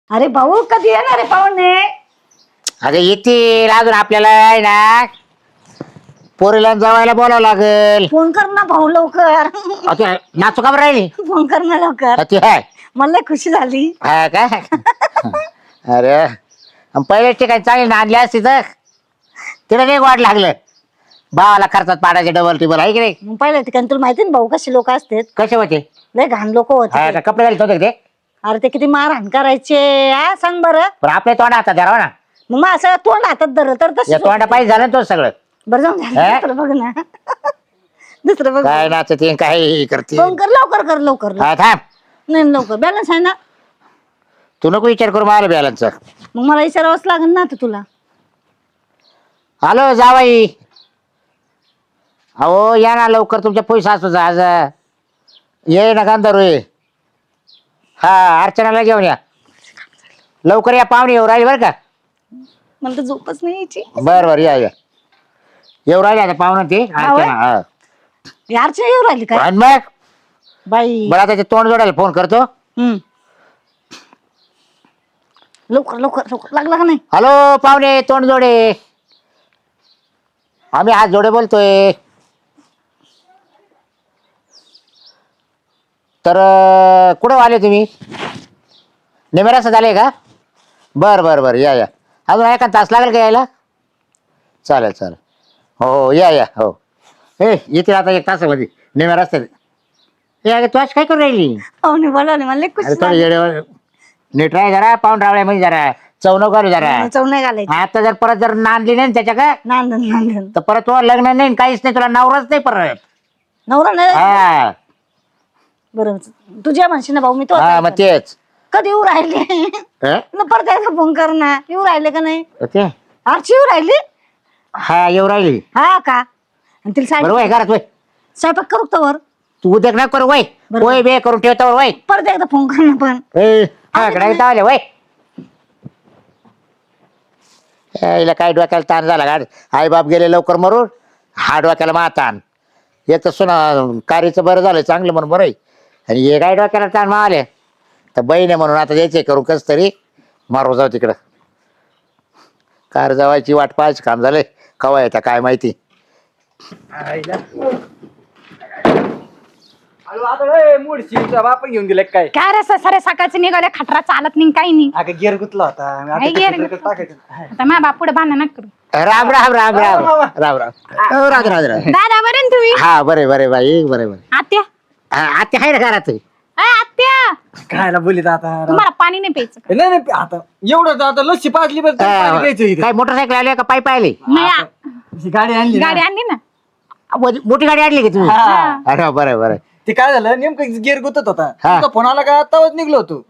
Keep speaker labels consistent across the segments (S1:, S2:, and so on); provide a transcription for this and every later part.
S1: अरे भाऊ कधी येणार आहे पाहुणे?
S2: अगं येतील अजून आपल्याला आहे ना पोरीला जावायला बोलावं लागेल.
S1: फोन कर ना भाऊ लवकर.
S2: आता नाचू का बरं राहिली?
S1: फोन कर ना लवकर.
S2: ती आहे
S1: मला लय खुशी झाली.
S2: हा का? अरे पहिल्याच ठिकाणी चांगली नांदली असती तर तिला नाही वाट लागलं. भावाला खर्चात पाडायचे डबल टिबल आहे की नाही?
S1: मग पहिल्या ठिकाणी तुला माहिती ना भाऊ कसे लोक असतात.
S2: कसे होते?
S1: लय घाण लोक
S2: हा
S1: होते.
S2: का? कपडे घालत होते का ते?
S1: अरे ते किती मारहाण करायचे. हा सांग बरं.
S2: पण आपल्या तोंड हातात धरावा ना.
S1: मग मग असं तोंड हातात धरलं तर
S2: या
S1: तसं
S2: तोंडा पाहिजे झालं ना तो सगळं.
S1: बरं जाऊन झालं.
S2: हा?
S1: दुसरं बघ ना. दुसरं बघ.
S2: काय नाचते काय करते?
S1: फोन कर लवकर कर लवकर.
S2: हा थांब.
S1: नाही लवकर बॅलन्स आहे ना.
S2: तू नको विचार करू मला बॅलन्सचा.
S1: मग मला विचारावंच लागेल ना आता तुला.
S2: हॅलो जावाई. अहो या ना लवकर तुमच्या पैसा असतो आज ये ना गांधारू ये. हा अर्चनाला घेऊन या लवकर या पाहुणे येऊ राहिले बरं का.
S1: मला तर झोपच नाही यायची.
S2: बरं बरं या येऊ राहिले आता पाहुणे ते अर्चना. हा
S1: यारच्या येऊ राहिली काय
S2: आणि मग
S1: बाई.
S2: बरं आता ते तोंड जोडायला फोन करतो.
S1: लवकर लवकर लवकर लागला का नाही?
S2: हॅलो पाहुणे तोंड जोडे. आम्ही हात जोडे बोलतोय. तर कुठं आले तुम्ही? निमेरास झाले का? बरं बरं बरं या अजून एका तास लागेल का यायला? चालेल चालेल हो या हो. येते आता एक तासामध्ये निमेरास. हे तू आज काय करू राहिली?
S1: पाहुणे बोलावले मला लय खुशी
S2: अरे थोडं
S1: झाली.
S2: येड्यावर नीट राह जरा. पाहून रावळ्यामध्ये जरा चवणं करू जरा.
S1: चव नाही घालायची.
S2: आता जर परत जर नांदली नाही त्याच्या का
S1: नांदन नांदन
S2: तर परत तुला लग्न नाही काहीच नाही. तुला नवराच नाही परत.
S1: नवरा नाही.
S2: हा
S1: बरं तुझ्या म्हणशी ना भाऊ मी तो
S2: हा मग तेच.
S1: कधी येऊ राहिले?
S2: हं?
S1: न परत एकदा फोन कर ना. येऊ राहिले का नाही?
S2: ते
S1: आरची येऊ राहिली.
S2: हा येऊ राहिली.
S1: हा का? आणि तिला
S2: बरं वय
S1: स्वयंपाक
S2: घरात वय.
S1: स्वयंपाक करू का वर?
S2: तू उद्या ना करू वय.
S1: बरं.
S2: वय बे करून ठेवतो वय.
S1: परत एकदा फोन कर ना पण.
S2: कडे वय. हिला काय डोक्याला ताण झाला गाड. आई बाप गेले लवकर मरून. हा डोक्याला मा ताण. एक तर सुना कार्याचं बरं झालं चांगलं म्हणून बरं आहे. आणि हे काय डोक्याला ताण मावले तर बहीण आहे म्हणून आता द्यायचे करू कस तरी मारू जाऊ तिकडं. कार जावायची वाट पाहायचं काम झालंय. कवा येतं काय माहिती.
S3: बाप घेऊन गेले काय?
S4: काय रे सारे सकाळचे निघाले खटरा चालत नाही काही नाही.
S3: अगं गेअर गुतला होता. आता
S4: काय
S3: ते
S4: gear
S3: खटर
S4: गुतला?
S3: टाकायचं.
S4: आता माझ्या बाप पुढे भांडण नका करू.
S2: राम राम राम राम राम राम राम राम राम.
S4: दादा बरे ना तुम्ही?
S2: हा बरे बरे बाई बरे बरे.
S4: आत्या
S2: आता आहे ना घरात.
S4: अय आत्या
S3: खायला बोलीत आता.
S4: तुम्हाला पाणी नाही प्यायचं का?
S3: नाही नाही आता एवढं आता लस्सी पाजली बस पाणी प्यायचं इथं.
S2: काय मोटरसायकल आली का पायी पाहिले?
S4: नाही
S3: ही गाडी आणली ना.
S4: गाडी आणली ना.
S2: मोठी गाडी आणली का तुम्ही?
S3: हा.
S2: अरे बरं बरं.
S3: ते काय झालं नेमकं गेअर गुतत होता.
S2: हा.
S3: तुमचा फोन आला का आताच निघलो होतो.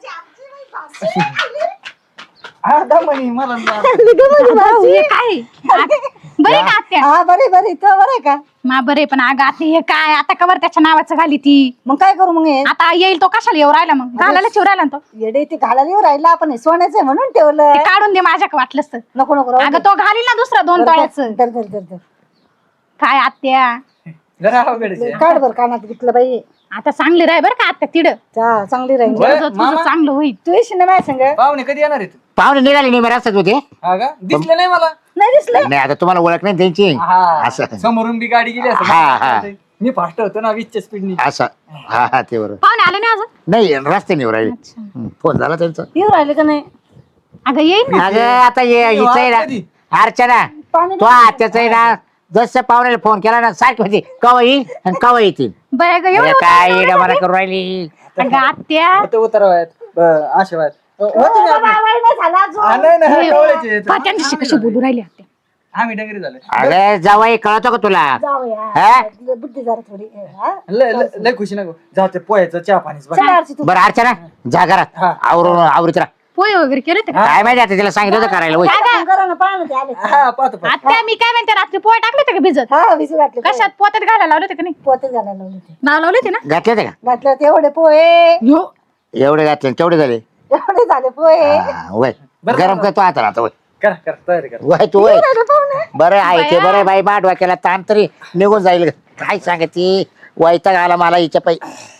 S3: हा दमनी मला
S4: भाऊ, हे काय बरे का आत्या?
S1: हा बरे बरे तो बरे का?
S4: मा बरे पण अगं आत्या हे काय आता कवर त्याच्या नावाचं घाली ती.
S1: मग काय करू मग हे?
S4: आता येईल तो कशाला येऊ राहिला मग घालायलाच येऊ राहिला ना तो.
S1: येडे ते घालायला येऊ राहिला आपण हे सोन्याचं आहे म्हणून ठेवलं.
S4: ते काढून दे माझ्याकडे वाटलंच तर.
S1: नको नको राहू
S4: अगं
S1: दे.
S4: तो घालील ना दुसरा 2 तोळ्याचं.
S1: धर धर धर धर.
S4: काय आत्या
S3: जरा अवघड आहे.
S1: काढ बर कानात घेतलं बाई.
S4: आता चांगली राह बरं का आत्या तिड.
S1: चांगली राहील.
S3: बरं,
S4: तुझं
S3: मामा.
S4: चांगलं होईल.
S1: तू येशील ना माझ्या संग?
S3: पाहुणे कधी येणार आहेत?
S2: पाहुणे निघाले नाही मी रस्त्यात होते.
S3: हा का दिसले नाही मला.
S1: नाही दिसलं.
S2: नाही आता तुम्हाला ओळख नाही त्यांची.
S3: हा
S2: असं
S3: समोरून बी गाडी गेली असं.
S2: हा, हा.
S3: मी फास्ट होतो ना 20च्या स्पीडनी.
S2: असं हा हा ते बरोबर.
S4: पाहुणे आले नाही अजून?
S2: नाही रस्त्याने येऊ राहिले.
S4: अच्छा.
S2: फोन झाला त्यांचा.
S1: येऊ राहिले का नाही?
S4: अगं येईल ना.
S2: अगं आता हिचं आहे ना
S3: कधी?
S2: अर्चना
S1: पाणी
S2: तो आत्याचं आहे ना जसं पाहुण्याला फोन केला ना सारखी होती कवा येईल आणि कवा येतील.
S4: बरं गं,
S2: अरे
S4: एवढं
S2: काय
S4: उतावळं
S2: येडं
S4: झालं?
S2: मला करू राहिली.
S4: अगं आत्या
S3: होते उतरवायत आशीर्वाद होते मी
S1: बाबा,
S3: आपले.
S1: वय नाही झालं अजून.
S3: हा, नाही नाही कवळ्याचे आहेत.
S4: त्यांच्याशी कशी बोलू राहिली आत्या.
S3: आम्ही डंगरी झाले.
S2: अगं जावाई कळतो का तुला?
S1: जाऊया.
S2: हा?
S1: बुद्धी जरा थोडी. हा?
S3: लय खुशी नको जाऊ ते पोह्याचं चहा पाणीच बघ.
S1: चल आरची तू.
S2: बरं अर्चना जा घरात
S3: हा.
S2: आवरीत राहा.
S4: पोहे वगैरे केले होते का?
S2: काय माहिती आता तिला सांगितलं होतं करायला होय.
S1: फोन करा ना पाहा ना ते आले.
S3: हा पाहतो पाहतो.
S4: आत्या मी काय म्हणते रात्री पोहे टाकले होते का भिजत?
S1: हा विसू घातले.
S4: कशात पोत्यात घालायला लावले होते का नाही?
S1: पोते घालायला लावले ते.
S4: नाव लावले होते ना?
S2: घातले होते का?
S1: घातलं तेवढे पोहे.
S4: हो.
S2: एवढे घातले केवढे झाले?
S1: एवढे झाले पोहे.
S2: हा, वय
S3: बरं,
S2: गरम
S3: बरं.
S2: करतो आता आता वय
S3: कर कर तयारी कर.
S2: वय तू वय
S1: पाहुणे.
S2: बरं आहे ते बरं आहे बाई माठ वाक्याला ताण तरी निघून जाईल. काय सांगते वैताग आला मला हिच्या पायी.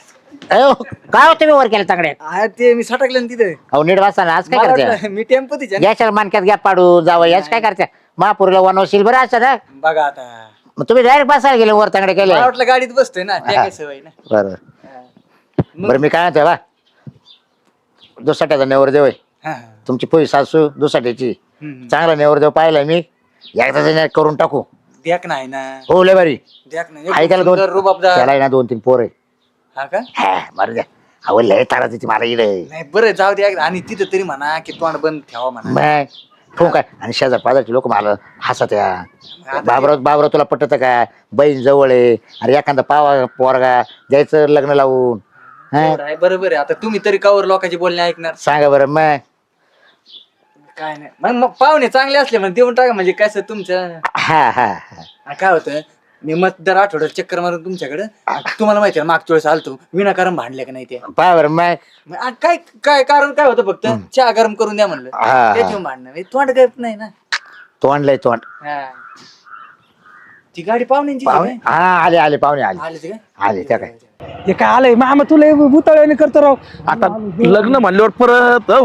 S2: अयो, काय होतं मी वर केलं चांगल्या
S3: ते मी सटकले ना तिथे
S2: अहो नीट वाचा ना आज काय
S3: मला
S2: करते
S3: वाटलं मी टेम्पो तिच्या
S2: गॅसला मानक्यात गॅप पाडू जावं याच काय करते महापुरीला वनवशील बरं असं ना
S3: बघा आता
S2: मग तुम्ही डायरेक्ट बसायला गेले वर चांगले केले
S3: मला वाटलं गाडीत बसतोय ना त्या काय सवय ना
S2: बरं बरं मी काय म्हणते बा दुसाट्याचा नेवरदेव आहे
S3: हा,
S2: तुमची पोई सासू दुसाट्याची
S3: हम्म.
S2: चांगला नेवरदेव पाहिला मी एकदा करून टाकू
S3: द्याक नाही ना
S2: हो लय बारी
S3: द्याक नाही
S2: आई
S3: एकदम
S2: त्याला दोन
S3: सुंदर रुबाबदार.
S2: त्याला आहे ना 2-3 पोर आहे
S3: हा का
S2: बरं द्या अहो लय तारा तिथे मला इकडे
S3: नाही बरं जाऊ द्या आणि तिथं तरी म्हणा की तोंड बंद ठेवा म्हणा
S2: मग ठोक काय आणि शेजार पाजारचे लोक मला हसत या बाबराव तुला पटत का बहीण जवळ आहे अरे एखादा पावा पोरगा द्यायचं लग्न लावून हा
S3: एवढं आहे, बरोबर आहे आता तुम्ही तरी कावर लोकांचे बोलणे ऐकणार
S2: सांगा बरं मग
S3: काय नाही मग पाहुणे चांगले असले म्हणजे देऊन टाका म्हणजे कसं तुमचं
S2: हा हा हा
S3: आ, काय होतं मी मत दर आठवड्यात चक्कर मारून तुमच्याकडे तुम्हाला माहिती आहे मागच्या वेळेस आलतो विनाकारण भांडले का नाही ते
S2: पहा बरं मग
S3: मग काय काय कारण काय होतं फक्त चहा गरम करून द्या म्हणलं
S2: हा.
S3: त्याची भांडणं म्हणजे तोंड करत नाही ना
S2: तोंड लय तोंड
S3: हा. ती गाडी पाहुण्यांची
S2: पाहुणे हा आले पाहुणे आले
S3: आले ते काय
S2: आले त्या काय
S5: हे काय आलंय मामा तुला बुताळ्याने करतो राव
S6: आता लग्न म्हणल्यावर परत हो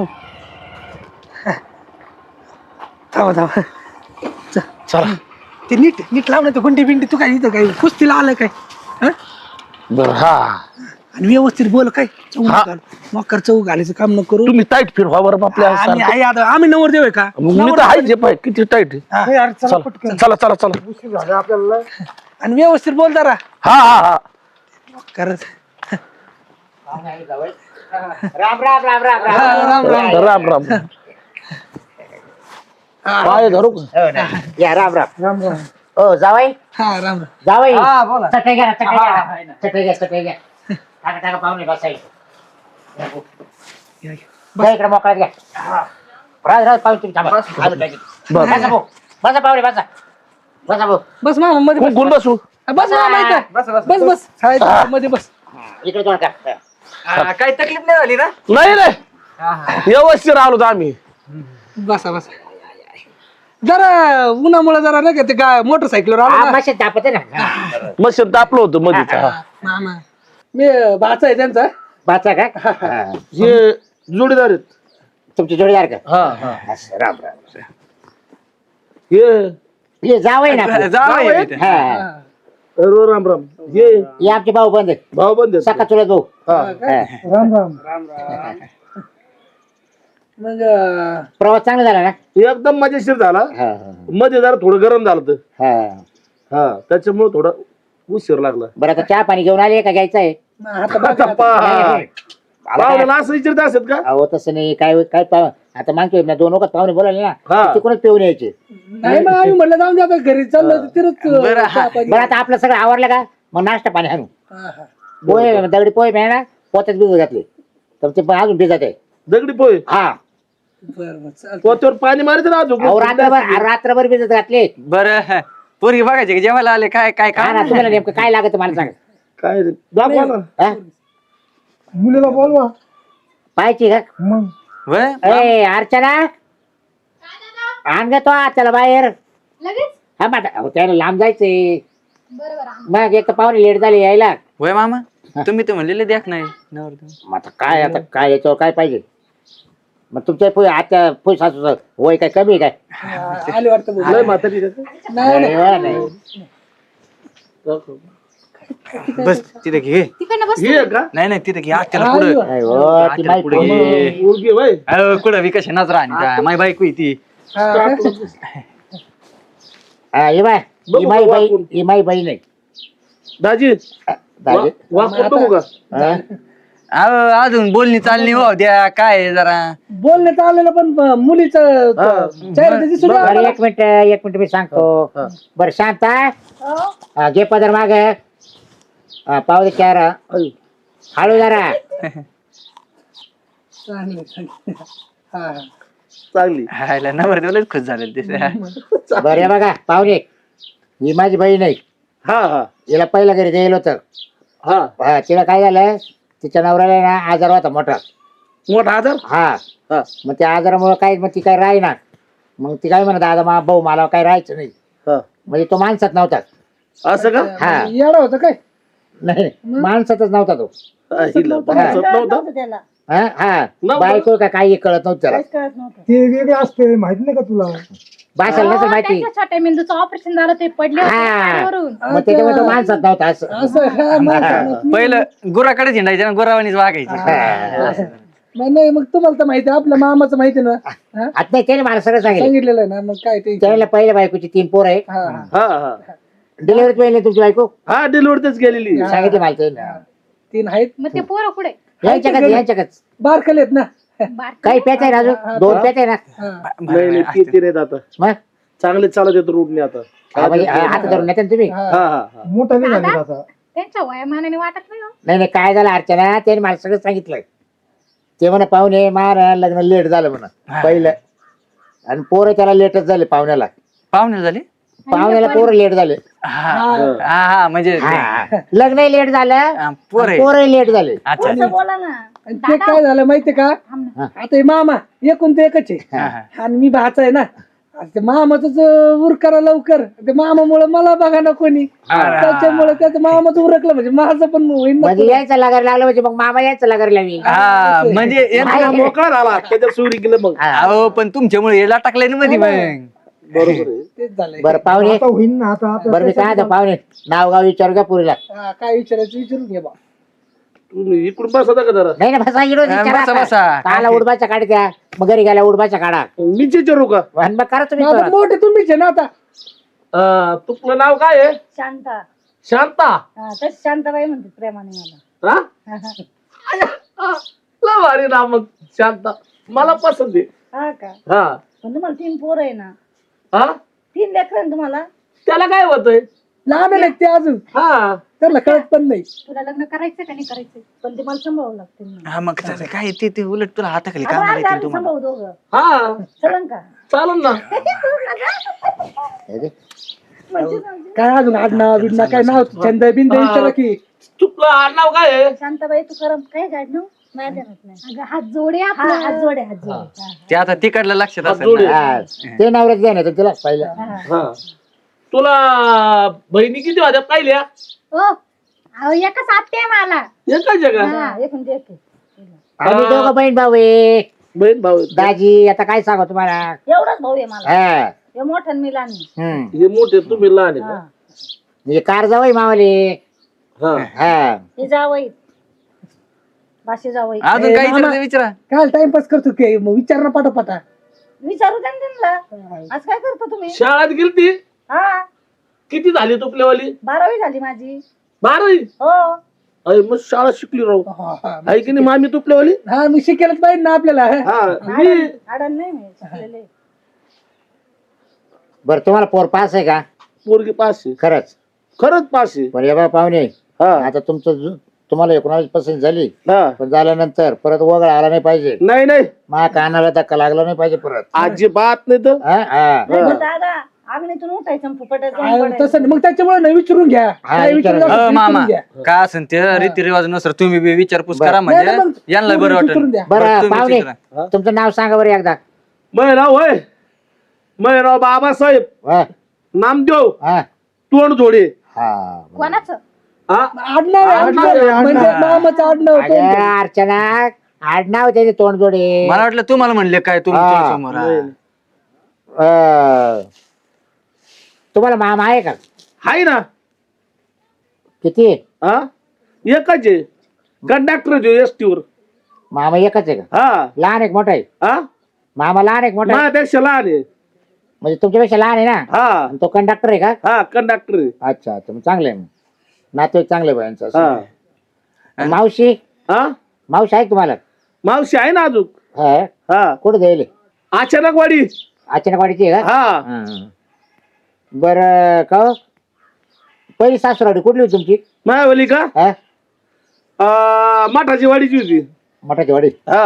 S5: थांबा थांबा चला ते नीट नीट लावणार ते गुंडी बिंडी तू काय इथं काय कुस्तीला आलं काय हं?
S6: बर हा
S5: आणि व्यवस्थित बोल काय मकर चौक घालायचं काम न करू
S6: तुम्ही टाईट फिरवा बरं आपल्या
S5: आम्ही आहे आता आम्ही नवर देऊ का
S6: मी तर आहे जे पाय किती टाईट
S5: हा.
S6: चला चला चला
S5: आणि व्यवस्थित बोल जरा
S6: हा हा हा
S5: करत
S2: राम राम राम राम
S6: राम राम पाय धरू का?
S2: हो ना. या राम राम
S5: राम राम
S2: हो जावाई
S5: हा राम राम
S2: जावाई
S3: हा, बोला.
S2: चटई घ्या चटई
S3: हा,
S2: घ्या
S3: आहे ना.
S2: चटई घ्या चटई घ्या टाका टाका पाहुणे बसायचं
S5: या, या.
S2: बस इकडे मोकळ्यात घ्या राज राज पाहुणे तुम्ही थांबा आम्ही टाकीत. बसा भाऊ बसा पाहुणे बसा बसा भाऊ
S5: बस मामा मध्ये बस
S6: कोण बसू
S5: बस मामा इथं
S3: बस, बस,
S5: बस बस हा, इथं मध्ये बस
S2: इकडे तोंड टाक
S3: हा, काही तकलीफ नाही झाली ना
S6: नाही रे
S3: हा, हा.
S6: व्यवस्थित आलो आम्ही
S5: बसा बसा जरा उन्हामुळे जरा नाही का ते काय मोटरसायकलवर आलो ना
S2: मशीन तापते ना
S6: मशीन तापलं होतं मध्येच हा.
S5: मामा मी भाचा आहे त्यांचा
S2: बाचा का
S6: हे जोडीदार आहेत
S2: तुमची जोडीदार का
S6: हा हा
S2: असं, राम राम
S6: हे
S2: ये जावई ना आपलं.
S3: जावई आहे इथे.
S2: हा
S6: राम राम हे
S2: ये आमचे भाऊ बंद आहेत.
S6: भाऊ बंद
S2: सका चुलत भाऊ
S6: हा
S2: हा.
S5: राम राम मग
S2: प्रवास चांगला झाला ना
S6: एकदम मजेशीर झाला
S2: हा हा,
S6: मध्ये जरा थोडं गरम झालं होतं.
S2: हा
S6: हा त्याच्यामुळे थोडा उशीर लागला
S2: बरं आता चहा पाणी घेऊन आले का घ्यायचं आहे
S5: आता बघा
S6: आता
S5: आता.
S6: पाहुण्याला असं विचारत असत का
S2: अहो तसं नाही काय काय आता मागतोय ना 2 वखत पाहुणे बोलायले ना
S6: हा.
S2: तिकडूनच पिऊन यायचे
S5: नाही मग आम्ही म्हणलं जाऊन दे आता घरी चाललो तिथंच
S3: बरं, हा.
S5: चहा पाणी.
S2: बरं आता आपलं सगळं आवरलं का मग नाश्ता पाणी आणू
S5: हा, हा.
S2: पोहे दगडी पोहे मिळाला पोत्यात भिजत घातले तर ते पण अजून भिजत आहे
S6: दगडी पोहे
S2: हा
S5: बरं बरं चालतंय.
S6: पोत्यावर पाणी मारायचं ना अजून
S2: अहो रात्रभर भिजत घातले
S3: बरं पोरगी बघायची का जेवायला आले काय काय
S2: काय
S3: काय
S2: ना तुम्हाला नेमकं काय लागत मला सांग
S6: काय रे दाखवा ना
S2: हा?
S5: मुलीला बोलवा
S2: पाहायची का
S5: मग
S3: व्हय?
S2: ए अर्चना आण ग तो त्याला बाहेर
S4: लगेच
S2: हा मग अहो, त्याला लांब जायचंय
S4: बरोबर
S2: मग एक तर पाहुणे लेट झाले यायला
S3: व्हय मामा तुम्ही तर म्हणलेले द्याक नाही नवरदेव.
S2: मग आता काय याच्यावर काय पाहिजे मग तुमच्या पोय आजच्या पोय सासूचं वय काय कमी आहे काय
S5: आले वाटतं बोल.
S6: लय म्हातारी का?
S5: नाही नाही.
S2: नाही.
S3: बस तिथे घे
S4: तिकडनं बस
S6: हे का
S3: नाही नाही तिथे घे आत्याला
S5: हा,
S3: पुढं
S2: नाही हो, ती माहिती
S3: पुढे घे
S6: मुलगी वय
S3: अहो, कुठं विकास नजरा आणि काय माय बायको आहे ती
S5: हा,
S2: हा, ही बाय
S6: बघू
S2: ही माई
S6: का
S2: बाई
S6: वाकून?
S2: ही माई बहीण आहे
S6: दाजी
S2: दाजी.
S6: वाकून बघू का
S2: हा?
S3: अहो, अजून बोलणी चालणी हो द्या काय आहे जरा
S5: बोलण्यात आलेलं पण मुलीचं चेहरा दिसून
S2: बरं
S5: आला.
S2: एक मिनिट मी सांगतो बरं शांत हा, घे पदर माग पाव दे चार हळू जरा
S5: चांगलं, चांगलं. हा.
S6: चांगली
S3: हायला नवरदेवलाच खुश झाले ते
S2: बरं हे बघा पाहुणे ही माझी बहीण आहे
S6: हा हा
S2: हिला पहिल्या घरी द्यायला होतं
S6: हा
S2: हा, तिला काय झालं तिच्या नवऱ्याला ना आजार होता मोठा
S6: मोठा आजार
S2: हा
S6: हा
S2: मग त्या आजारामुळे काय मग ती काय राहीना मग ती काय म्हणत दादा भाऊ मला काय राहायचं नाही
S6: हा
S2: म्हणजे तो माणसात नव्हता
S6: असं का
S2: हा
S5: येडा होतं काय
S2: नाही माणसातच नव्हता तो
S6: हिला भासत
S1: कळत
S6: नव्हतं.
S1: नव्हतं त्याला
S2: हा
S6: नव्हतं.
S2: बायको का काही कळत नव्हतं त्याला
S1: काहीच कळत नव्हतं
S5: ते वेगळे असते माहिती नाही का तुला
S2: भाषाला नसेल
S4: अहो,
S2: माहिती
S4: त्यांच्या छोट्या मेंदूचं ऑपरेशन झालं ते पडले होते
S2: हा.
S4: गाडीवरून.
S2: मग त्याच्यामुळे तो माणसात नव्हता असं
S5: असं हा, माणसानं-
S3: पहिलं गुराकडे झेंडायचे ना गुरावानीच वागायचे.
S5: नाही मग तुम्हाला तर माहिती आहे, आपल्या मामाचं माहिती आहे ना हा?
S2: आता नाही त्याने मला सगळं सांगितलं
S5: सांगितलेलं आहे ना मग काय ते
S2: त्याला पहिल्या बायकोची 3 पोरं आहे
S5: हा हा.
S6: हा हा
S2: डिलिव्हरी पहिले तुमची बायको
S6: हा डिलिव्हरीच गेलेली.
S2: सांगितलं मला त्याने.
S5: 3 आहेत
S4: मग ते पोरं कुठे
S2: यांच्याकच
S5: बारकले आहेत ना
S4: बारकी
S2: काही पेच आहे ना अजून 2 पेच आहे ना
S5: हा.
S6: नाही ते नाही आता
S2: मग
S6: चांगले चालत येतो रोडने आता.
S2: हा, म्हणजे हात धरून नेते ना तुम्ही
S5: हा.
S6: हा हा हा
S5: मोठा नाही झाले आता
S4: त्यांच्या वयामानाने वाटत नाही हो.
S2: नाही नाही काय झालं अर्चना त्याने मला सगळं सांगितलं ते म्हणा पाहुणे मारा लग्न लेट झालं म्हणा पहिलं आणि पोरं त्याला लेटच झाले पाहुण्याला
S3: पाहुणे झाले
S2: पाहुण्याला पोरं लेट झाले
S3: हा म्हणजे
S2: लग्न लेट झालं
S3: पोर
S2: पोरं लेट झाले
S3: अच्छा
S1: पुढचं बोला ना
S5: आणि ते काय झालं माहितीये का आता हे मामा एकूण ते एकच आहे आणि मी भाचा आहे ना आता ते मामाच उर करा लवकर ते मामामुळे मला बघा ना कोणी त्याच्यामुळे त्याचं मामाचं उरकलं म्हणजे माझं पण होईल ना.
S2: म्हणजे यायचं लागायला लागलं म्हणजे मग मामा यायचं लागायला लागली
S3: हा म्हणजे
S6: हा, मोकळा झाला त्याच्या सुरी गेलं मग.
S3: अहो पण तुमच्यामुळे याला टाकलंय ना मध्ये मग
S6: बरोबर आहे.
S5: तेच झालंय
S2: बरं पाहुणे
S5: आता होईल ना आता
S2: बरं मी काय आता पाहुणे नाव गाव विचारू का पुरीला
S5: हा, काय विचारायचं विचारून घे बा
S6: तुम्ही इकडून बसा का जरा
S2: नाही ना बसा इकडं विचारा
S3: बसा,
S2: आता.
S3: बसा.
S2: काला उडबाच्या काढ द्या मग घरी गेल्या उडबाच्या काढा
S6: मीच विचारू का
S2: आणि मग करा तुम्ही
S5: आता
S2: परत.
S5: मोठे तुम्हीच आहे ना आता
S6: तुझं नाव काय आहे
S1: शांता
S6: शांता
S1: हा तशी शांताबाई म्हणते प्रेमाने मला
S6: हा लय भारी नाव मग शांता मला पसंत आहे.
S1: हा का
S6: हा
S1: पण तुम्हाला 3 पोरं आहे ना
S6: हा
S1: 3 लेकरं आहे ना तुम्हाला
S6: त्याला काय होतंय
S5: लहान आहे ते अजून
S6: हा
S5: त्याला कळत पण नाही
S4: तुला लग्न करायचं का नाही करायचं?
S1: पण ते मला सांभाळावं लागते ना
S3: हा मग त्याचं काय ते उलट तुला हाताखाली
S1: आता
S3: कामाला
S1: अर्धा
S3: येतील
S1: अर्धा
S3: तुम्हाला
S1: सांभाळू दोघं
S6: हा
S1: चलन का
S6: चालन ना
S2: हे दे.
S5: काय अजून आडनाव बिडना काय नाव छंद बिंद विचारा की
S6: तुला नाव काय आहे
S1: शांताबाई तू करम काय गाड ना माझ्या ध्यानात नाही
S4: अगं हात जोडे
S1: हा,
S4: आपलं.
S1: हात जोडे हात जोडे हा,
S3: ते आता तिकडलं लक्षात असेल
S6: जोडे.
S3: ना.
S2: हा, ते नवऱ्याच द्या ना तुला पहिलं
S6: हा तुला बहिणी किती होत्या पाहिल्या
S4: हो अहो एकच आत्या आहे मला.
S6: एका जगा
S1: हा एकूण ते एक आहे.
S2: आम्ही दोघं बहीण भाऊ आहे
S6: बहीण भाऊ आहेत.
S2: दाजी आता काय सांगू तुम्हाला
S1: एवढाच भाऊ आहे मला
S2: हा
S1: हे मोठा आणि मी लहान आहे.
S2: हम्म.
S6: हे मोठे तुम्ही लहान आहे
S1: हा
S6: का?
S2: म्हणजे कार जावई मावले
S6: हा
S2: हा
S1: हे जावई भाषे जावई
S3: अजून काही विचारायचं विचारा
S5: काय टाइमपास करतो की मग विचार ना पाठोपाठा
S1: विचारू द्या ना त्यांना आज काय करता तुम्ही
S6: शाळेत गेलती
S1: हा
S6: किती झाली तुपल्यावाली
S1: 12वी झाली माझी
S6: 12वी
S1: हो
S6: अरे मग शाळा शिकली राहू आहे की नाही मामी तुपल्यावाली
S5: हा मग शिकेलच पाहिजे ना आपल्याला
S6: हा मी
S1: आडण नाही मी शिकलेले
S2: बरं तुम्हाला पोर पास आहे का
S6: पोरगी पास आहे
S2: खरंच
S6: पास आहे
S2: पण या बा पाहुणे
S6: हा
S2: आता तुमचं तुम्हाला 19 पसंत झाली
S6: हा
S2: पण झाल्यानंतर परत वगळ आला नाही पाहिजे
S6: नाही नाही
S2: मा कानाला धक्का लागला नाही पाहिजे परत
S6: अजिबात नाही तर
S2: हा, हा.
S1: नाही पण दादा आग्नेतून उठायचं फुफटात
S5: हा,
S1: जाऊन पडायचं.
S5: तसं नाही. मग त्याच्यामुळे नाही विचारून घ्या
S2: हा,
S5: काय
S2: विचारून
S5: विचारायचं असेल
S3: मामा
S5: विचारून घ्या.
S3: काय असेल ते रीतिरिवाज नसर तुम्ही बी विचारपूस करा
S5: नाही, नाही,
S3: म्हणजे
S5: मग
S3: यांना बरं
S5: विचारून
S3: वाटेल
S5: द्या.
S2: बरं
S3: तुम्ही
S2: पाहुणे
S3: विचारा.
S2: तुमचं नाव सांगा बरं एकदा
S6: मैराव होय मैराव बाबासाहेब
S2: हा,
S6: नामदेव
S2: हा,
S6: तोंडजोडे
S2: हा.
S4: कोणाचं?
S6: हा
S5: आडनाव आहे, आडनाव. म्हणजे मामाचं आडनाव
S2: अगं,
S5: तोंड.
S2: अर्चना आडनाव त्याचे तोंडजोडे
S3: मला वाटलं तुम्हाला म्हणले काय तुमच्या
S2: हा.
S3: समोर हा.
S2: तुम्हाला मामा आहे का
S6: हाय ना
S2: किती
S6: हा एकच आहे कंडक्टर एसटी वर
S2: मामा एकच आहे का
S6: हा
S2: लहान एक मोठा आहे
S6: हा
S2: मामा लहान एक मोठा आहे
S6: माझ्यापेक्षा लहान आहे
S2: म्हणजे तुमच्यापेक्षा लहान आहे ना
S6: हा
S2: आणि तो कंडक्टर आहे का
S6: हा कंडक्टर आहे
S2: अच्छा अच्छा मग चांगलं आहे मग नातेवाईक चांगले बायांचं
S6: हा
S2: मावशी
S6: हा
S2: मावशी आहे का तुम्हाला
S6: मावशी आहे ना अजून
S2: हा
S6: हा
S2: कुठे जाईल
S6: अचानकवाडी
S2: अचानकवाडीची आहे का
S6: हा
S2: हा. बरं का हो? पहिली सासूराडी कुठली होती तुमची
S6: मायावली का
S2: हा
S6: मठाची वाडीची होती
S2: मठाची वाडी
S6: हा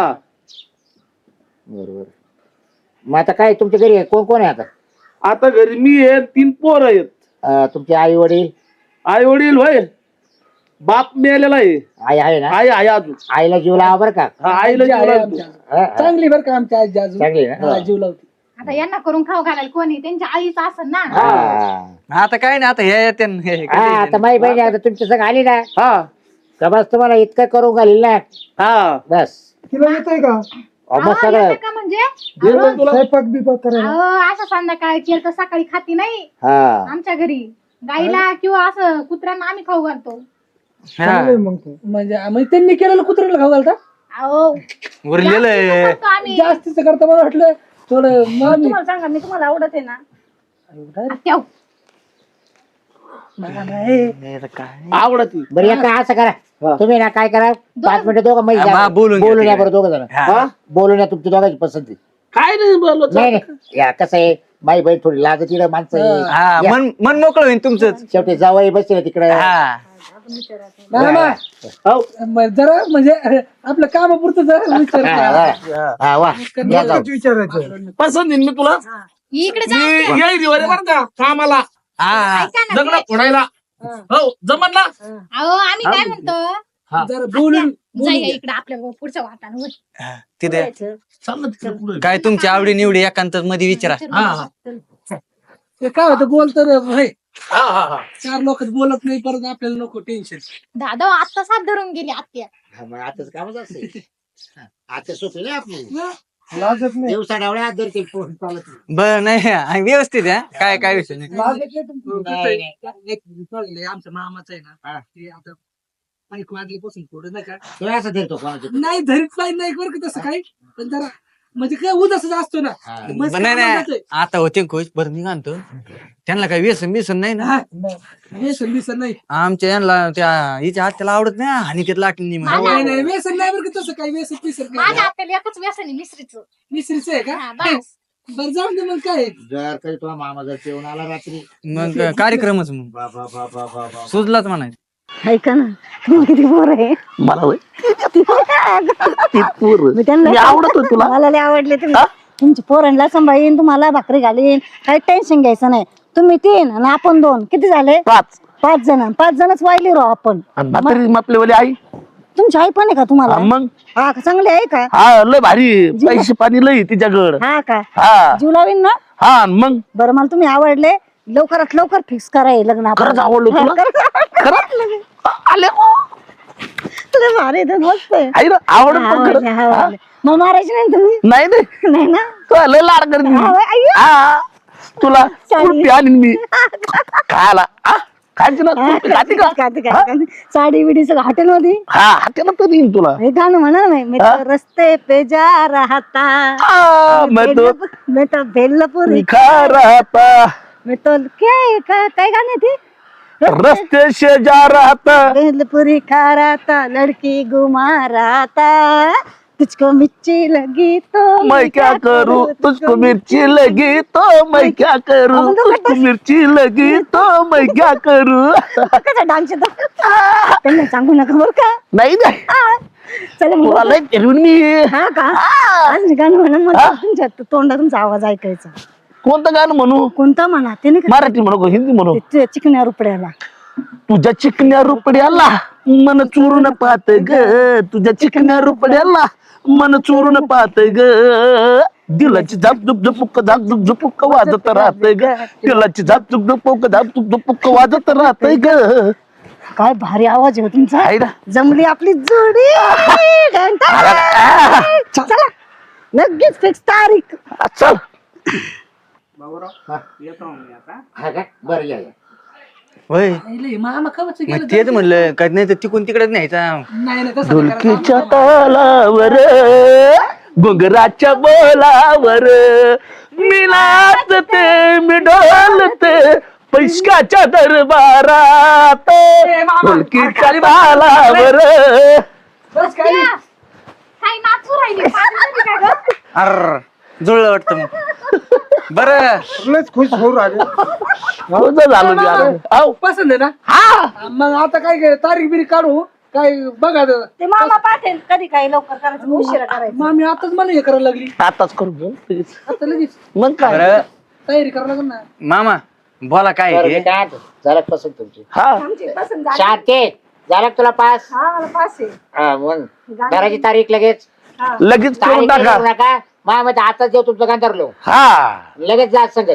S2: बरोबर मग आता काय तुमच्या घरी कोण कोण आहे आता
S6: आता घरी मी आहे 3 पोर आहेत
S2: तुमचे आई वडील
S6: आई वडील होय बाप मिळालेला आहे
S2: आई आहे ना
S6: आई आहे अजून
S2: आईला जीव लावा बरं का
S6: हा, आईला
S5: आजी
S6: जीव
S5: आहे
S6: लावतो.
S5: आमच्या.
S2: हा, हा.
S5: चांगली बरं का आमच्या आजी अजून
S2: चांगली ना
S5: हा, जीव लावते
S4: आता यांना करून खाऊ घालायला कोणी त्यांच्या आईचं असं ना.
S2: हा
S3: आता काय नाही आता हे येते
S2: हा, आता माझी बहिणी आता तुमच्या संग आली ना
S6: हा
S2: का बस तुम्हाला इतकं करू घालील ना
S3: हा
S2: बस
S5: तिला येतंय का
S2: मग सगळं
S4: येतं का म्हणजे
S5: स्वयंपाक बिपाक करायला
S4: अहो, असं संध्याकाळी केलं तर सकाळी खाती नाही
S2: हा
S4: आमच्या घरी गाईला किंवा असं कुत्र्यांना आम्ही खाऊ घालतो.
S5: चांगलंय मग ते. म्हणजे त्यांनी केलेलं कुत्र्याला खाऊ घालता
S4: अहो
S3: उरलेलं आहे.
S4: करतो आम्ही.
S5: जास्तीच करता मला वाटलं थोडं मामी
S1: तुम्हाला सांगा मी तुम्हाला आवडत आहे ना
S4: ठेव.
S5: मला नाही
S6: आवडत
S2: बरं एका असं करा तुम्ही ना काय करा 5 मिनिटं दोघं मै
S3: हा, बोलून घ्या
S2: बोलून या
S3: तिकडे.
S2: बरं दोघं जण
S3: हा.
S2: बोलून या तुमची दोघांची पसंती
S6: काय नाही बोललो
S2: नाही नाही या कसं आहे बाई बाई थोडी लाज तिकडे माणसं आहे.
S3: हा
S2: या.
S3: मन मोकळं होईल तुमचंच.
S2: शेवटी जावई बसले तिकडे
S3: हा
S5: मामा जरा म्हणजे आपलं कामापुरतं जरा विचार करा.
S2: वा या जाऊ.
S5: विचारायचं
S6: पसंत येईल मी तुला
S4: इकडे जा.
S6: मी येईल रे बरं का कामाला
S3: हा
S4: ऐका ना,
S6: दगड फोडायला हो जमत ना
S4: अहो आम्ही काय म्हणतो
S5: जरा बोलून
S4: जाई इकडे आपल्या पुढच्या वाटानं
S3: तिथे
S6: चाल ना तिकडे पुढे
S3: काय तुमची आवडी निवडी एकांत मध्ये विचारा.
S6: हा
S5: ते काय होतं बोलत भाई
S6: हा हा हा
S5: 4 लोक बोलत नाही परत आपल्याला नको टेन्शन
S4: दादा आत्ताच हात धरून गेली आत्या.
S2: हा, मग आताच कामच असते आता सोपी नाही आपली
S5: लाजत नाही
S2: दिवसा डावळ्या हात धरते फोन चालत नाही.
S3: बरं नाही व्यवस्थित आहे काय विषय नाही.
S5: लाजत नाही तुमचं.
S2: नाही, नाही.
S5: एक कळलंय, आमच्या मामाचं आहे ना ते आता 5 वाजल्यापासून पुढे नाही का
S2: तुला असं धरतो कोणाचं
S5: नाही धरीत नाही बरं का तसं काही पण जरा म्हणजे काय उदासच असतो ना
S2: हा.
S5: मस्त
S3: नाही
S5: कामाचं
S3: नाही आता होते खुश बरं मी म्हणतो त्यांना काही व्यसन बिसन नाही ना.
S5: आहे. व्यसन बिसन नाही
S3: आमच्या यांना त्या हिच्या हात आवडत नाही आणि त्यात लाटली
S5: नाही नाही व्यसन नाही बरं का तसं काही व्यसन बिसन
S4: माझ्या
S5: नाही
S4: आत्याला एकच व्यसन आहे मिसरीचं.
S5: मिसरीचं आहे का
S4: हा, बस.
S5: बरं जाऊन दे मग काय
S2: जर काही तुला मामा जर जेवण आला रात्री
S3: मग कार्यक्रमच मग
S2: बाबा बाबा बाबा
S3: सुचलाच म्हणायचं.
S1: ऐका ना तुम्हाला किती पोर आहे
S6: मला होय.
S1: मी
S6: मी
S1: त्यांना
S6: आवडत होत तुला
S1: मला लय आवडले तुम्ही तुमच्या पोरांना सांभाळीन तुम्हाला भाकरी घालीन काही टेन्शन घ्यायचं नाही तुम्ही 3 आणि आपण 2 किती झाले 5 जण 5 जणच वाहिली राव आपण
S6: आणि म्हातारी आपल्यावाली आई
S1: तुमची आई पण आहे का तुम्हाला
S6: मग
S1: हा का? चांगली आहे का
S6: हा लय भारी पैसे पाणी लय तिच्याकडं
S1: हा का
S6: हा
S1: जीव लावीन ना
S6: हा आणि मग
S1: बरं मला तुम्ही आवडले लवकरात लवकर फिक्स करा हे लग्न आपलं.
S6: खरंच आवडलं
S1: हा,
S6: तुला खरंच आले
S1: लय भारी आहे, मस्त आहे
S6: आई ना आवडत
S1: हा,
S6: पण खरंच.
S1: आवडले, आवडले. मग मारायचे नाही तुम्ही
S6: नाही नाही
S1: नाही ना
S6: तुला लय लाड करते
S1: हा,
S6: मी.
S1: अय्यो.
S6: हा तुला
S1: चालेल.
S6: कुल्फी आणीन मी खायला खायची ना कुल्फी खाते का
S1: खाते. साडी बिडी सगळं हॉटेल मध्ये
S6: हा हाताला तर देईन तुला
S1: हे गाणं म्हणा ना मी तो रस्ते पे जा रहा था
S6: मैं तो
S1: मैं तो भेलपुरी
S6: खा रहा था
S1: मैं तो काय गाणे थे
S6: रस्ते से जा रहा था
S1: भेलपुरी खा रहा था लड़की घुमा रहा था तुझको मिर्ची लगी तो
S6: मैं क्या करूं तुझको मिर्ची लगी तो मैं क्या करूं तुझको मिर्ची लगी तो मैं क्या करूं
S1: कसा डान्स येतो त्यांना सांगू नका बरं का
S6: नाही नाही
S1: हा. चला मग.
S6: तुला लय फिरवून मी
S1: हा का आज गाणं म्हणा मला तुमच्या तोंडा तुमचा आवाज ऐकायचा
S6: कोणतं गाणं म्हणू
S1: कोणता म्हणा ते नाही का
S6: मराठी म्हणू का हिंदी म्हणू
S1: ते चिकण्या रुपड्याला
S6: तुझ्या चिकन्या रुपड्याला मन चोरून पाहत ग तुझ्या चिकन्या रुपड्याला मन चोरून पाहत ग दिलाची झाप झुप झुपुक झाप झुप झुपुक वाजत राहत ग दिलाची झाप झुप झुपुक झाप झुप झुपुक वाजत राहत ग
S1: काय भारी आवाज आहे हो तुमचा
S6: आहे ना
S1: जमली आपली जोडी चला लगेच फिक्स तारीख
S6: चल
S2: हा का बरं या या.
S3: होय
S5: लय मामा कवच
S3: मग तेच म्हणलं काय नाही तर तिकून तिकडेच न्यायचा.
S5: नाही नाही तसं नाही करायचं.
S6: ढोलकीच्या तालावर घुंगराच्या बोलावर मी नाचते मी डोलते पैशाच्या दरबारात ढोलकीच्या तालावर
S5: बस काय नाही.
S4: काही नाचू राहिली पागल झाली का गं?
S3: अर जुळलं वाटतं मग बरं
S5: लयच खुश होऊ राहिले
S6: तुझं झालं मी आता. आव.
S5: पसंत आहे ना हा मग आता काय तारीख बिरीख काढू काय बघा
S1: ते मामा पाठेल कधी काही लवकर करायचं उशिरा करायचं
S5: मामी आताच मला हे करायला लागली
S6: आताच करू बोल लगेच.
S5: आता लगेच
S6: मग काय
S3: बरं
S5: तयारी करायला लागल ना
S3: मामा बोला काय
S2: बरं,
S3: आहे
S2: मी
S3: ते?
S2: काय म्हणतो? झालं का पसंत तुमची
S6: हा
S1: आमची पसंत झाली.
S2: शांती झालं का तुला पास
S1: हा मला पास आहे
S2: हा मग घराची तारीख लगेच
S6: लगेच करून
S2: तारीख
S6: टाका
S2: करू नका माझ्या आताच देऊ तुमचं गांधरलो
S6: हा
S2: लगेच जा संगच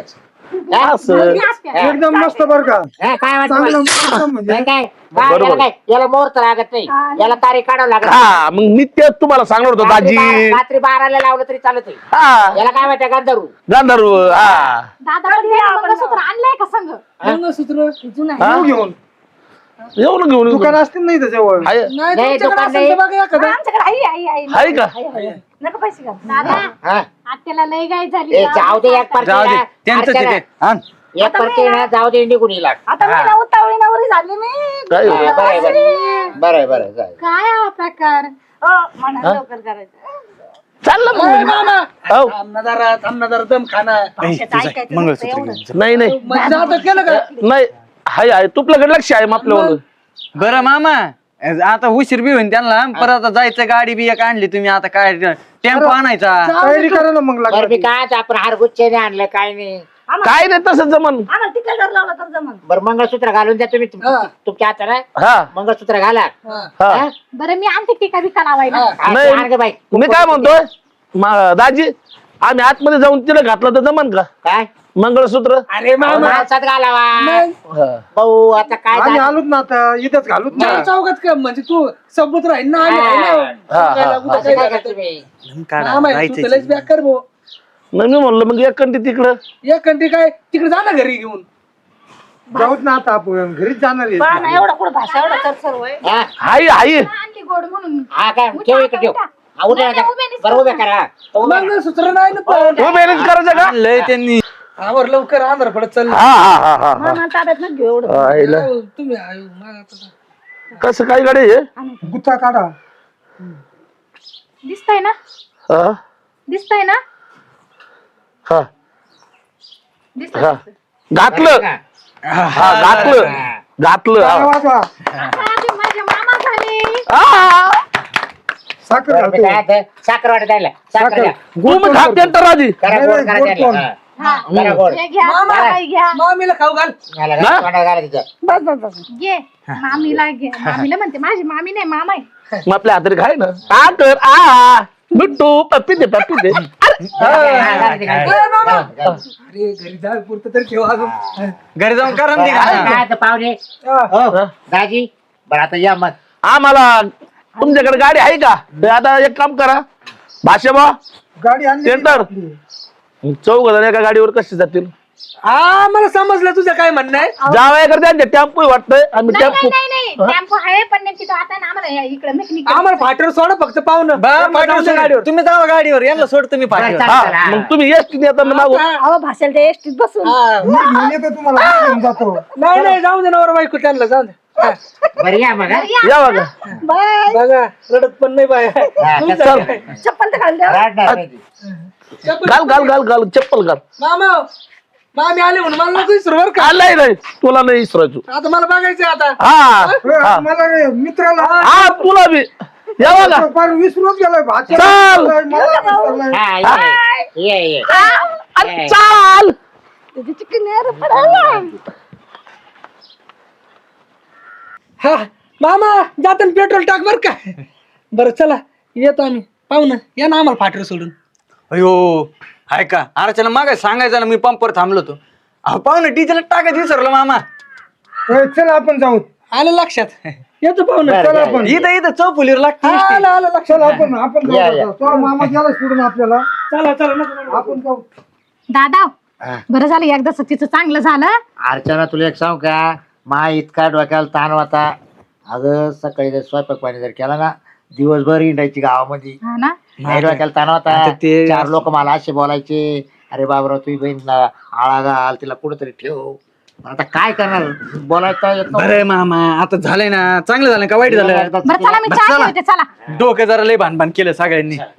S6: असं
S7: एकदम मस्त बर का
S2: काय वाटतं
S7: चांगलं
S2: मला?
S7: एकदम म्हणजे
S2: नाही काय बा,
S6: बरोबर.
S2: याला काय याला मुहूर्त लागत नाही याला तारीख काढावं लागत
S6: हा मग मी तेच तुम्हाला सांगणार होतो दाजी.
S2: रात्री 12ला लावलं तरी चालत नाही.
S6: हा
S2: याला काय माहिती गांधर्व
S6: गांधर्व हा
S4: दादा पण ते मंगळसूत्र आणलंय का संग?
S5: मंगळसूत्र जुनं आहे.
S6: हा?
S7: घेऊन
S6: येऊन घेऊन
S7: दुकान असतील नाही त्याच्यावर
S6: आहे
S5: नाही
S2: नाही,
S5: तुमच्याकडे
S2: दुकान
S5: असेल तर बघा एखादं.
S1: आमच्याकडे आई
S6: आहे का
S1: नका पैसे घाल.
S4: दादा
S2: हा?
S4: आत्याला लय गाय झाली
S2: ए, जाऊ दे एक
S3: जाऊ दे त्यांचं
S2: पर्टी
S3: ते आण.
S2: एक पर्टी ना जाऊ दे निघून येईल
S1: आता मी ना उतावळी नवरी झाली मी.
S6: काय
S2: बरं जाऊ.
S4: काय हा प्रकार?
S1: म्हणा लवकर करायचं.
S6: चाललं
S5: ए,
S6: मग
S5: मामा
S6: हो.
S5: थांब ना जरा दम खाना
S1: भाषेचं ऐकायचं नसतं
S3: मंगळसूत्र
S1: एवढं.
S3: घे.
S6: नाही नाही
S5: म्हणजे आता केलं का
S6: नाही आहे तुपल्याकडे लक्ष आहे मग आपल्यावर
S3: बरं मामा आता उशीर बी होईन त्यांना परत आता जायचं गाडी बी एक आणली तुम्ही आता काय टेम्पो आणायचा
S7: तयारी करा ना मग
S2: बरं मी
S7: लागली
S2: काय आपण हारगुच्चे आणलं काय नाही
S6: काय नाही तसं जमन
S1: आम्हाला तिकडे जर लावला तर जमन.
S2: बरं मंगळसूत्र घालून द्या तुम्ही तुमच्या हाताला
S6: हा
S2: मंगळसूत्र घाला
S6: हा
S2: हा?
S4: बरं मी आणते टीका बिका लावायला.
S2: हा,
S6: नाही.
S2: आण गं बाई.
S6: मी काय म्हणतोय दाजी आम्ही आतमध्ये जाऊन तिला घातलं तर जमन का
S2: काय
S6: मंगळसूत्र
S5: अरे मामा
S2: माणसात घालावा
S6: हा.
S2: भाऊ आता काय
S7: आम्ही
S2: झालं?
S7: आलोच ना आता इथंच घालूच ना
S5: चार चौकात का म्हणजे तू सबूत राहील ना आम्ही आहे ना.
S6: हा,
S5: सांगायला
S6: हा.
S5: कुठं
S2: असं काय
S5: काय
S2: करते
S5: करतो.
S2: मी?
S5: मामा आहे, तू त्यालाच बॅक कर भाऊ.
S6: नाही मी म्हणलं मग एक कंटी तिकडं
S5: एक कंटी काय तिकडे जा ना घरी घेऊन.
S7: जाऊच ना आता आपण घरीच जाणार आहे.
S1: पहा ना एवढं कुठं भाषा एवढं तर सर्व आहे.
S2: हा?
S6: हाय हाय
S4: आणली गोड म्हणून.
S2: हा काय ठेव इकडे ठेव हा, उद्या
S4: नाही, उभ्यानेच
S2: बरं उभ्या करा तो उभ्या करा.
S5: मंगळसूत्र नाही ना पण.
S6: हो मॅनेज करायचं का
S3: लय त्यांनी
S5: आवर लवकर आंध्र पडत चाललं.
S6: हा हा हा हा हा
S1: मामा ताब्यात न घेऊ एवढं.
S6: आईला.
S5: हो, तुम्ही आयो, मला आता-
S6: कसं काय गाडी आहे
S7: गुत्ता काढा
S4: दिसतंय ना?
S6: हा
S4: दिसतंय ना?
S6: हा
S4: दिसतंय.
S6: हा घातलं हा घातलं घातलं
S7: टाळ्या
S6: हा.
S7: वाजवा
S4: आता माझे मामा झाले.
S6: आ,
S7: साखर
S2: बरं, मी
S7: घालतो.
S2: काय म्हणते, साखर वाटत द्यायला साखर द्या.
S6: तुम्ही खाते तर राजी
S2: करा
S7: नाही,
S2: गोड
S7: नाही,
S2: करा
S7: गोड
S2: द्यायला.
S7: कोण?
S2: हा. करा गोड
S4: हे घ्या
S5: मामा
S4: मामाई घ्या.
S5: मामीला खाऊ घाल.
S2: घाला, घाला, तोंडात घाला तिच्या.
S1: बस बस बस.
S4: घे मामीला घे. मामीला म्हणते माझी मामी नाही मामा आहे.
S6: मग आपल्या हातरी खाय ना आ कर आ बिट्टू पप्पी दे
S2: हा, घाला ती, घाला ती.
S5: ए, मामा.
S2: घाला.
S5: अरे घरी जा पुरतं तर ठेवा अजून.
S3: घरी जाऊन करा ना ते
S2: काय
S3: घाला.
S2: काय ते पाहुणे हो दाजी बरं आता या मग
S6: आम्हाला तुमच्याकडे गाडी आहे का तर आता एक काम करा भाषा
S7: गाडी आणली
S6: सेंटर चौघ जण एका गाडीवर कसे जातील
S5: हा मला समजलं तुझं काय म्हणणं आहे.
S6: जावया करते टेम्पो वाटतंय आम्ही
S4: नाही
S6: टेम्पो
S4: नाही नाही नाही टेम्पो आहे पण नेमकी तो आता ना आम्हाला इकडे मेकॅनिक
S5: आम्हाला फाटर सोडा फक्त पाहुणं
S3: पाठवून
S5: गाडीवर.
S3: तुम्ही जावा गाडीवर यांना सोडतो मी पाठीवर.
S2: बरं,
S6: हा
S2: चला, चला.
S6: मग तुम्ही एसटी येताना मागू
S1: अहो भाषेला ते एसटीत बसून.
S7: मी घेऊन येतो तुम्हाला मी घेऊन जातो
S5: नाही नाही जाऊ दे नवरा बायको त्यांना जाऊ दे. हा,
S2: बरं या मग हा.
S6: या बघा
S1: बाय.
S5: बघा रडत पण नाही बाय
S2: हा,
S5: तुमचं
S2: चल.
S5: काय?
S1: चप्पल तर घाल द्या.
S2: रडणार नाही ती.
S6: घाल घाल घाल घाल चप्पल घाल
S5: मामा मामी आले म्हणून मला नको विसरू बरं का.
S6: नाही नाही तुला नाही इसरायचो
S5: आता मला बघायचं आता.
S6: हा
S7: मला रे, मित्राला
S6: हा तुला बी या बघा
S7: फार विसरूनच गेलोय भाषा
S6: चाल.
S7: मला विसरलंय.
S2: हा, ये, ये, ये.
S6: अरे चाल
S1: त्याची चिकन यार पडायला.
S5: हा मामा जाताना पेट्रोल टाक बर का. बरं चला येतो आम्ही पाहू ना या ना आम्हाला फाटर सोडून.
S3: अयो हाय का अर्चना मागाय सांगायचं ना मी पंपवर थांबलो होतो अहो पाहू ना डिझेल टाकायचं विसरलो मामा
S7: होय, चल आपण जाऊ
S5: आलं लक्षात येतो पाहू ना.
S2: बरं,
S5: चला
S2: या,
S5: आपण.
S3: इथं इथं चौफुलीवर लागते
S5: हा, आलं आलं
S7: चल
S5: लक्षात.
S7: आपण
S2: या,
S7: जाऊ
S2: या.
S7: आता. तो मामा गेला सोडून आपल्याला
S5: चला चला नको
S7: आपण जाऊ
S4: दादा
S2: हा.
S4: बरं झालं एकदा तिचं चांगलं झालं.
S2: अर्चना तुला एक सांगू का मा इतका डोक्याला ताण होता अगं सकाळी जर स्वयंपाक पाणी जर केला ना दिवसभर हिंडायची गावामध्ये
S4: हा ना
S2: नाही डोक्याला ताण होता
S3: आता ते-
S2: 4 लोक मला असे बोलायचे अरे बाबराव तुझी बहीण आळा घाल तिला कुठेतरी ठेव आता काय करणार बोलायचं येत नव्हतं.
S3: बरं मामा आता झालंय ना चांगलं झालं का वाईट झालं
S4: बरं चला मी चहा
S3: चला.
S4: ठेवते चला.
S3: डोकं जरा लय भानभान केलं सगळ्यांनी